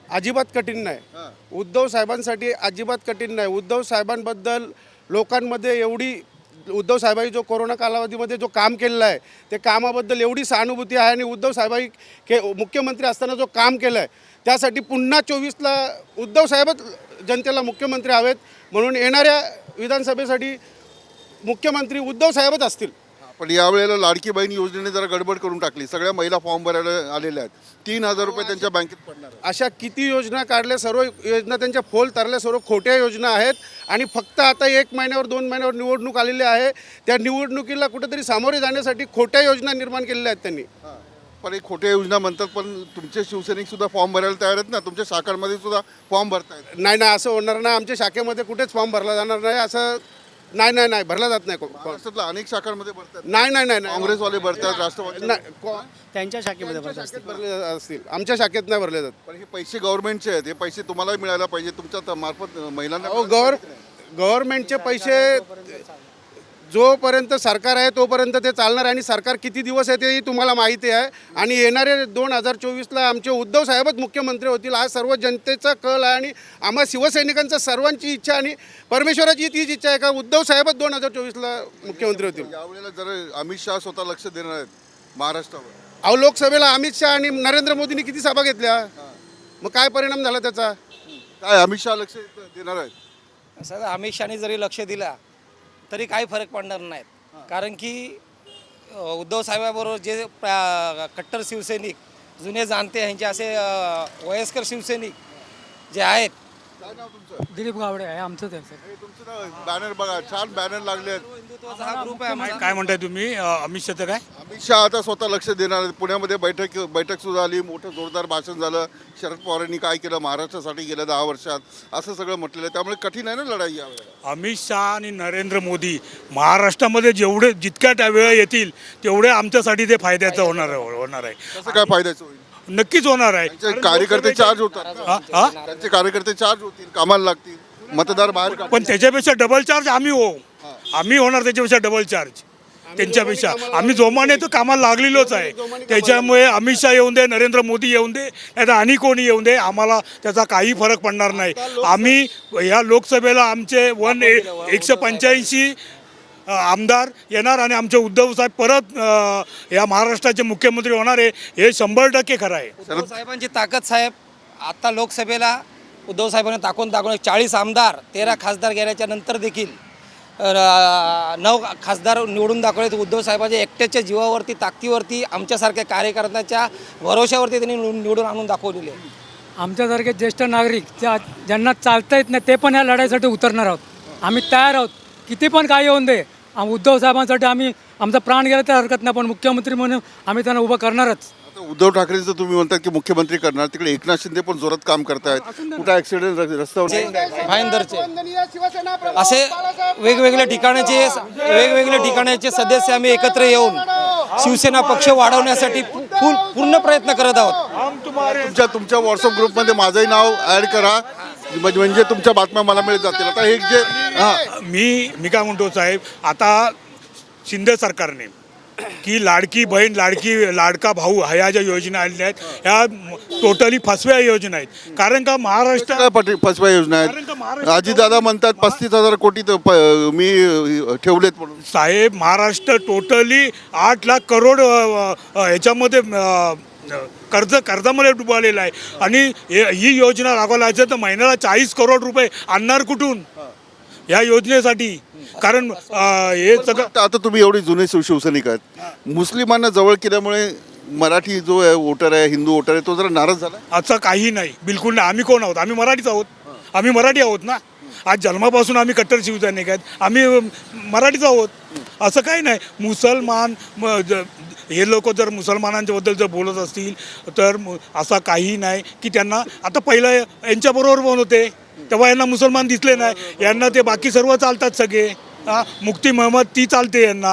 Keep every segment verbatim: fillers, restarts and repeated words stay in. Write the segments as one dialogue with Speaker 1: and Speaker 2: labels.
Speaker 1: अजिबात कठीण नाही. उद्धव साहेबांसाठी अजिबात कठीण नाही. उद्धव साहेबांबद्दल लोकांमध्ये एवढी, उद्धव साहेबांनी जो कोरोना कालावधीमध्ये जो काम केलेलं आहे ते कामाबद्दल एवढी सहानुभूती आहे आणि उद्धव साहेबांनी के मुख्यमंत्री असताना जो काम केलं आहे त्यासाठी पुन्हा चोवीसला उद्धव साहेबच जनतेला मुख्यमंत्री हवेत. म्हणून येणाऱ्या विधानसभेसाठी मुख्यमंत्री उद्धव साहेबच असतील.
Speaker 2: पण यावेळेला लाडकी बहीण योजनेने जरा गडबड करून टाकली. सगळ्या महिला फॉर्म भरायला आलेल्या आहेत. तीन हजार रुपये त्यांच्या बँकेत पडणार.
Speaker 1: अशा किती योजना काढल्या, सर्व योजना त्यांच्या फोल तरल्या, सर्व खोट्या योजना आहेत. आणि फक्त आता एक महिन्यावर दोन महिन्यावर निवडणूक आलेली आहे. त्या निवडणुकीला कुठेतरी सामोरे जाण्यासाठी खोट्या योजना निर्माण केलेल्या आहेत त्यांनी.
Speaker 2: पण एक खोट्या योजना म्हणतात, पण तुमचे शिवसैनिक सुद्धा फॉर्म भरायला तयार आहेत ना. तुमच्या शाखांमध्ये सुद्धा फॉर्म भरतायत.
Speaker 1: नाही नाही, असं होणार नाही. आमच्या शाखेमध्ये कुठेच फॉर्म भरला जाणार नाही. असं नाही नाही नाही भरला जात नाही.
Speaker 2: महाराष्ट्रातल्या अनेक शाखांमध्ये भरतात.
Speaker 1: नाही नाही नाही
Speaker 2: काँग्रेसवाले भरतात, राष्ट्रवादी
Speaker 1: नाही, को-
Speaker 3: त्यांच्या शाखेमध्ये भरत
Speaker 1: शाखेत भरले असतील. आमच्या शाखेत नाही भरले जात.
Speaker 2: पण हे पैसे गव्हर्नमेंटचे आहेत. हे पैसे तुम्हाला मिळायला पाहिजे. तुमच्या त- मार्फत महिलांना
Speaker 1: अहो, गव्हर गव्हर्नमेंटचे पैसे जोपर्यंत सरकार आहे तोपर्यंत ते चालणार आहे. आणि सरकार किती दिवस आहे तेही तुम्हाला माहिती आहे. आणि येणारे दोन हजार चोवीसला आमचे उद्धव साहेबच मुख्यमंत्री होतील. आज सर्व जनतेचा कल आहे आणि आम्हा शिवसैनिकांचं सर्वांची इच्छा आणि परमेश्वराची तीच इच्छा आहे का उद्धव साहेबच दोन हजार चोवीसला मुख्यमंत्री होतील.
Speaker 2: यावेळेला जर अमित शहा स्वतः लक्ष देणार आहेत महाराष्ट्रावर.
Speaker 1: अहो, लोकसभेला अमित शहा आणि नरेंद्र मोदींनी किती सभा घेतल्या, मग काय परिणाम झाला त्याचा?
Speaker 2: काय अमित शहा लक्ष देणार आहेत?
Speaker 3: असं अमित शहाने जरी लक्ष दिला तरी काही फरक पडणार नाहीत. कारण की अ, उद्धव साहेबाबरोबर जे प्रा- कट्टर शिवसैनिक, जुने जाणते ह्यांचे असे अ, वयस्कर शिवसैनिक जे आहेत.
Speaker 2: काय नाव तुमचं?
Speaker 4: दिलीप गावडे आहे आमचं त्यांचं.
Speaker 2: हे तुमचं नाव बॅनर बघा, छान बॅनर लागले आहेत.
Speaker 3: हिंदुत्वाचा हा ग्रुप आहे आमचा.
Speaker 5: काय म्हणताय तुम्ही? अ, अमित शहा काय
Speaker 2: अमित शहा आता स्वतः लक्ष देणार आहेत. पुण्यामध्ये बैठक बैठक सुद्धा आली. मोठं जोरदार भाषण झालं. शरद पवारांनी काय केलं महाराष्ट्रासाठी गेल्या दहा वर्षात, असं सगळं म्हटलेलं आहे. त्यामुळे कठीण आहे ना लढाई यावेळेला.
Speaker 5: अमित शहा आणि नरेंद्र मोदी महाराष्ट्रामध्ये जेवढे जितक्या त्या वेळा येतील तेवढे आमच्यासाठी ते फायद्याचं होणार आहे होणार आहे
Speaker 2: कसं काय फायद्याचं होईल?
Speaker 5: नक्कीच होणार आहे.
Speaker 2: त्यांचे कार्यकर्ते चार्ज होतात ना.
Speaker 5: हा? हा?
Speaker 2: त्यांचे कार्यकर्ते चार्ज होतील, कामाला लागतील, मतदार बाहेर काढतील.
Speaker 5: पण त्याच्यापेक्षा डबल चार्ज आम्ही हो आम्ही होणार त्याच्यापेक्षा डबल चार्ज त्यांच्यापेक्षा. आम्ही जोमाने तर कामाला लागलेलोच आहे. त्याच्यामुळे अमित शहा येऊन दे, नरेंद्र मोदी येऊन दे, नाही तर आणि कोणी येऊन दे, आम्हाला त्याचा काही फरक पडणार नाही. आम्ही या लोकसभेला आमचे वन ए एकशे पंच्याऐंशी आमदार येणार आणि आमचे उद्धव साहेब परत अ, या महाराष्ट्राचे मुख्यमंत्री होणार आहे, हे शंभर टक्के खरं आहे.
Speaker 3: उद्धव साहेबांची ताकद साहेब, आता लोकसभेला उद्धव साहेबांनी टाकून टाकून चाळीस आमदार, तेरा खासदार गेल्याच्या नंतर देखील अ, नऊ खासदार निवडून दाखवले. उद्धव साहेबांच्या एकट्याच्या जीवावरती, ताकदीवरती, आमच्यासारख्या कार्यकर्त्यांच्या भरोश्यावरती त्यांनी निवडून निवडून आणून दाखवलेले.
Speaker 4: आमच्यासारखे ज्येष्ठ नागरिक ज्या ज्यांना चालता येत नाही ते पण या लढाईसाठी उतरणार आहोत. आम्ही तयार आहोत. किती पण काय येऊन दे, आम उद्धव साहेबांसाठी आम्ही आमचा प्राण गेला तर हरकत नाही, पण मुख्यमंत्री म्हणून आम्ही त्यांना उभं करणारच.
Speaker 2: आता उद्धव ठाकरेंचं तुम्ही म्हणतात की मुख्यमंत्री करणार, तिकडे एकनाथ शिंदे पण जोरात काम करतायत. कुठं ऍक्सिडेंट रस्त्यावर
Speaker 3: भाईंदरचे असे वेगवेगळ्या ठिकाणाचे वेगवेगळ्या ठिकाणाचे सदस्य आम्ही एकत्र येऊन शिवसेना पक्ष वाढवण्यासाठी फुल पूर्ण प्रयत्न करत आहोत.
Speaker 2: तुमच्या तुमच्या व्हॉट्सअप ग्रुपमध्ये माझंही नाव ऍड करा, म्हणजे म्हणजे तुमच्या बातम्या मला मिळत जातील. आता हे जे हां
Speaker 5: मी मी काय म्हणतो साहेब, आता शिंदे सरकारने की लाडकी बहीण, लाडकी लाडका भाऊ ह्या ज्या योजना आलेल्या आहेत ह्या टोटली फसव्या योजना आहेत. कारण का महाराष्ट्र
Speaker 2: काय पट- फसव्या योजना
Speaker 5: कारण का
Speaker 2: आहेत.
Speaker 5: महाराष्ट्र-
Speaker 2: अजितदादा म्हणतात पस्तीस हजार कोटी तर प- मी ठेवलेत म्हणून.
Speaker 5: साहेब, महाराष्ट्र टोटली आठ लाख करोड अ, अ, ह्याच्यामध्ये अ, कर्ज कर्जामध्ये डुबालेलं आहे. आणि हे- ही योजना राबवायला असेल तर महिन्याला चाळीस करोड रुपये आणणार कुठून या योजनेसाठी? कारण अ, हे सगळं
Speaker 2: आता तुम्ही एवढे जुने शिव शिवसैनिक आहेत, मुस्लिमांना जवळ केल्यामुळे मराठी जो आहे वोटर आहे, हिंदू वोटर आहे, तो जरा नाराज झाला.
Speaker 5: असं काही नाही, बिलकुल नाही. आम्ही कोण आहोत? आम्ही मराठीच आहोत. आम्ही मराठी आहोत ना. आज जन्मापासून आम्ही कट्टर शिवसैनिक आहेत, आम्ही मराठीच आहोत. असं काही नाही. मुसलमान म- ज- हे लोक जर मुसलमानांच्याबद्दल जर बोलत असतील तर मु- असा काही नाही की त्यांना, आता पहिलं यांच्याबरोबर पण होते तेव्हा यांना मुसलमान दिसले नाही, यांना ते बाकी सर्व चालतात सगळे. हां, मुक्ती महमद ती चालते यांना.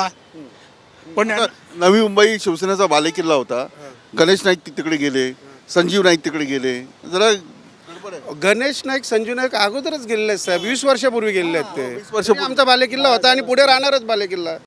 Speaker 5: पण
Speaker 2: आता नवी मुंबई शिवसेनेचा बालेकिल्ला होता. गणेश नाईक ति- तिकडे गेले, संजीव नाईक तिकडे गेले. जरा
Speaker 1: गणेश नाईक, संजू नाईक अगोदरच गेलेले आहेत साहेब, वीस वर्षापूर्वी गेलेले आहेत ते.
Speaker 2: वीस वर्षापूर्वी.
Speaker 1: आमचा बालेकिल्ला होता आणि पुढे राहणारच बालेकिल्ला.